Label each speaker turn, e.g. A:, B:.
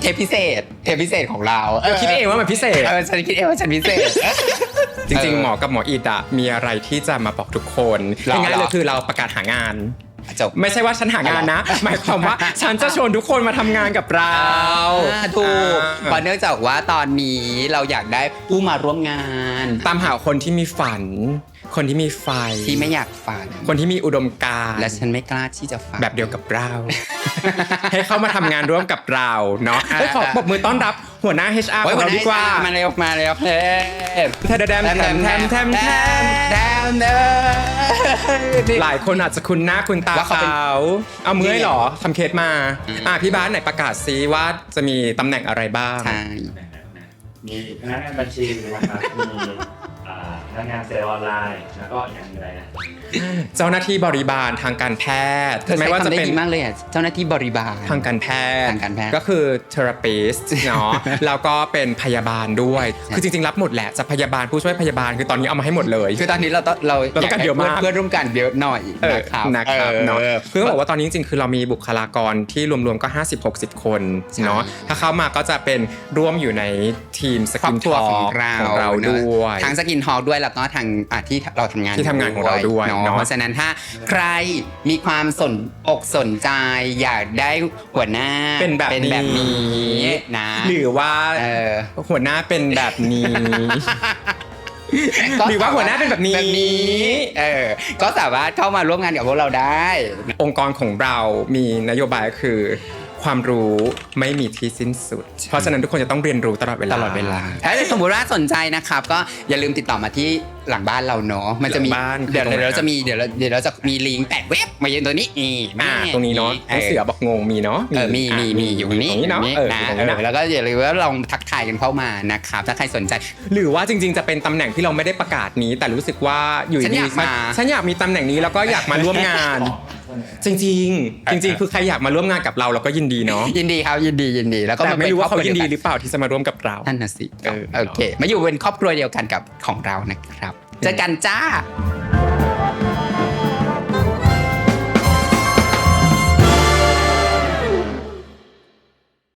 A: เทปพิเศษของเรา
B: คิดเองว่ามันพิเศษ
A: ฉันคิดเองว่าฉันพิเศษ
B: จริงๆหมอกับหมออีดอะมีอะไรที่จะมาบอกทุกคนง่ายๆเลยคือเราประกาศหางานไม่ใช่ว่าฉันหางานนะหมายความว่าฉันจะชวนทุกคนมาทำงานกับเรา
A: ถูกเพราะเนื่องจากว่าตอนนี้เราอยากได้ผู้มาร่วมงาน
B: ตามหาคนที่มีฝันคนที่มีไฟ
A: ที่ไม่อยากฝัน
B: คนที่มีอุดมการณ์
A: และฉันไม่กล้าที่จะฝัน
B: แบบเดียวกับเรา ให้เข้ามาทำงานร่วมกับเราเนาะขอปรบมือต้อนรับหัวหน้า HR ของเราดีกว่า
A: มาเร็วเฮ้
B: แทมหลายคนอาจจะคุ้นหน้าคุ้นตาเขาเอามือให้หรอทำเคสมาพี่บ้านไหนประกาศซิว่าจะมีตำแหน่งอะไรบ้าง
C: มีพนักงานบัญชีนะครับมีพนักงานเซลล์ออนไลน์แล้วก็อย่างไรนะ
B: เจ้าหน้าที่บริบาลทางการแพทย์
A: ไม่ว่าจะเป็นดีมากเลยเจ้าหน้าที่บริบาล
B: ทางการแพทย์ก็คือ therapist เนาะแล้วก็เป็นพยาบาลด้วยคือจริงๆรับหมดแหละจะพยาบาลผู้ช่วยพยาบาลคือตอนนี้เอามาให้หมดเลย
A: คือตอนนี้เรา
B: ต้องการเยอะมาก
A: เพื่อนร่วมกันเยอะหน่อย
B: นะครับเนาะคือต้องบอกว่าตอนนี้จริงๆคือเรามีบุคลากรที่รวมๆก็50-60 คนเนาะถ้าเข้ามาก็จะเป็นร่วมอยู่ในทีมสกินทอล์กของเราด้วย
A: ทั้งสกินทอล์กด้วยแล้วก็ทางที่เราทำงาน
B: ของเราด้วย
A: เพราะฉะนั้นถ้าใครมีความสนใจอยากได้หัวหน้า
B: เป็นแบบนี้
A: นะ
B: หรือว่าหัวหน้าเป็นแบบนี้หรือว่าหัวหน้าเป็นแบบนี้
A: ก็สามารถเข้ามาร่วมงานกับพวกเราได้
B: องค์กรของเรามีนโยบายคือความรู้ไม่มีที่สิ้นสุดเพราะฉะนั้นทุกคนจะต้องเรียนรู้ตลอดเวลา
A: ถ้าสมมติว่าสนใจนะครับก็อย่าลืมติดต่อมาที่หลังบ้านเราเนาะมันจะมีเดี๋ยวเราจะมีลิงก์แปะเว็บมาเย็นตัวนี้
B: ตรงนี้เนาะเสือบอกงงมีเนาะ
A: มีอยู่นี้เนาะแล้วก็อย่าลืมว่าลองทักทายกันเข้ามานะครับถ้าใครสนใจ
B: หรือว่าจริงๆจะเป็นตำแหน่งที่เราไม่ได้ประกาศนี้แต่รู้สึกว่าอยู่ดีฉันอยากมีตำแหน่งนี้แล้วก็อยากมาร่วมงานจริงคือใครอยากมาร่วมงานกับเราก็ยินดีเนาะ
A: ยินดีครับยินดีแล้วก็
B: ไม่รู้ว่าเขายินดีหรือเปล่าที่จะมาร่วมกับเรา
A: นั่นน่ะสิโอเคมาอยู่เป็นครอบครัวเดียวกันกับของเรานะครับเจอกันจ้า